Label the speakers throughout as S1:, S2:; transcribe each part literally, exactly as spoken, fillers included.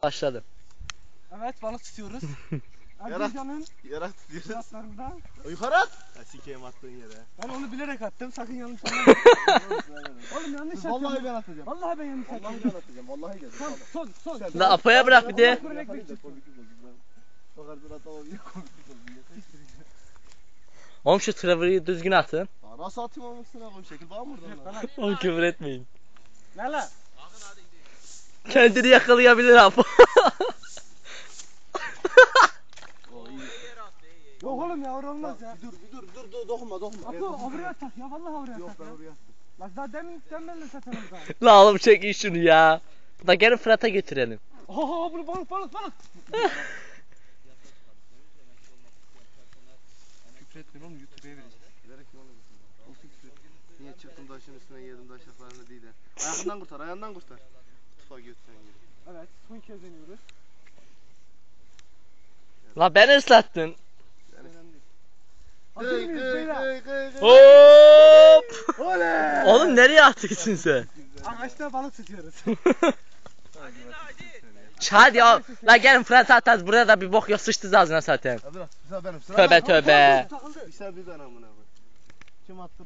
S1: Başladım.
S2: Evet, balık tutuyoruz.
S3: Yarat.
S2: Erzincan'ın
S3: Yarak tutuyoruz.
S2: fiyatlarında.
S3: Yukarı at. Ha sikeyim attığın yere.
S2: Ben onu bilerek attım, sakın yanlış anlamayın. Oğlum yanlış atıyorum.
S3: Vallahi ben atacağım.
S2: Vallahi ben yanlış
S3: Vallahi
S2: atıyorum.
S3: ben atacağım. Vallahi gel.
S2: Son, son, son.
S3: Sen-
S1: La Apo'ya bırak bir de.
S2: Bakarsın
S3: atamam yine komiklik oldu.
S1: Oğlum şu Trevor'ı düzgün atın.
S3: Ya nasıl atayım olmasına koyayım şekil var mı oradan?
S1: Oğlum küfür etmeyin.
S2: Ne lan?
S1: Kendini yakalayabilir Apo.
S2: Yok oğlum ya, orada olmaz ya.
S3: Bir dur bir dur dur dur dokunma dokunma.
S2: Apo oraya tak ya, vallahi oraya
S3: Yok
S2: tak
S3: ben
S2: ya.
S3: oraya attım.
S2: Bak daha demin sen benimle zaten orada.
S1: La oğlum çekin şunu ya. Da gelin Fırat'a götürelim.
S2: Oha bunu balık balık balık.
S3: Küfür etmeyin oğlum YouTube'ya vereceğiz. Bilerek mi oğlum? Olsun küfür. Niye çıktım taşın üstüne yedim taşaklarını değil de. Ayağından kurtar ayağından kurtar. Tufa götüren gibi.
S2: Evet, son kez deniyoruz.
S1: La beni ıslattın.
S2: Önemli değil. Hazır
S3: Gıy
S2: mıyız
S3: gıy
S2: beyler?
S3: gıy gıy gıy.
S1: Hop!
S2: Oley!
S1: Oğlum nereye attıksın sen?
S2: Ağaçta balık tutuyoruz.
S1: Hadi ya. La gelin Fırat'a atarız. Burada da bir bok yok, sıçtı ağzına zaten.
S3: Hadi lan sıra benim sıra
S1: Tövbe
S3: benim.
S1: tövbe.
S3: Bir sen bir ben amına koyayım. Kim attırdı?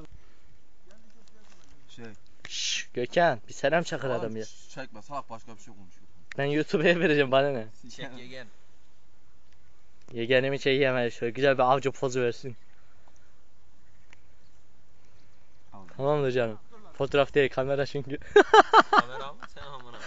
S4: Şey.
S1: Şşş Gökhan bir selam çakır adam ya.
S4: Çekme salak başka bir şey konuşuyor.
S1: Ben YouTube'ya vereceğim bana ne?
S4: Çek yegen.
S1: Yegenimi çekeyim şöyle güzel bir avcı pozu versin. Tamamdır canım. Fotoğraf değil kamera çünkü.
S4: Kamera mı? Sen amına.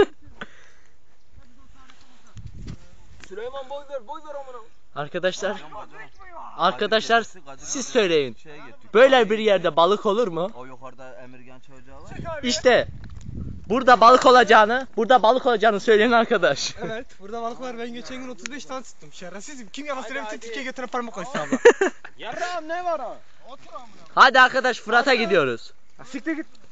S4: Süleyman boy ver boy ver amına.
S1: Arkadaşlar Arkadaşlar siz söyleyin.
S4: Şeye gittik.
S1: Böyle bir yerde balık olur mu?
S4: O yukarıda Emirgan çocuğa var.
S1: İşte burada balık olacağını, burada balık olacağını söyleyen arkadaş.
S2: Evet, burada balık var. Ben geçen gün otuz beş tane tuttum. Şerefsizim. Kim yalan söylemişse Türkiye'ye götüren parmak koysun abla.
S3: Yarrağım ne var ha? Otur amına.
S1: Hadi arkadaş Fırat'a gidiyoruz.
S2: Siktir git.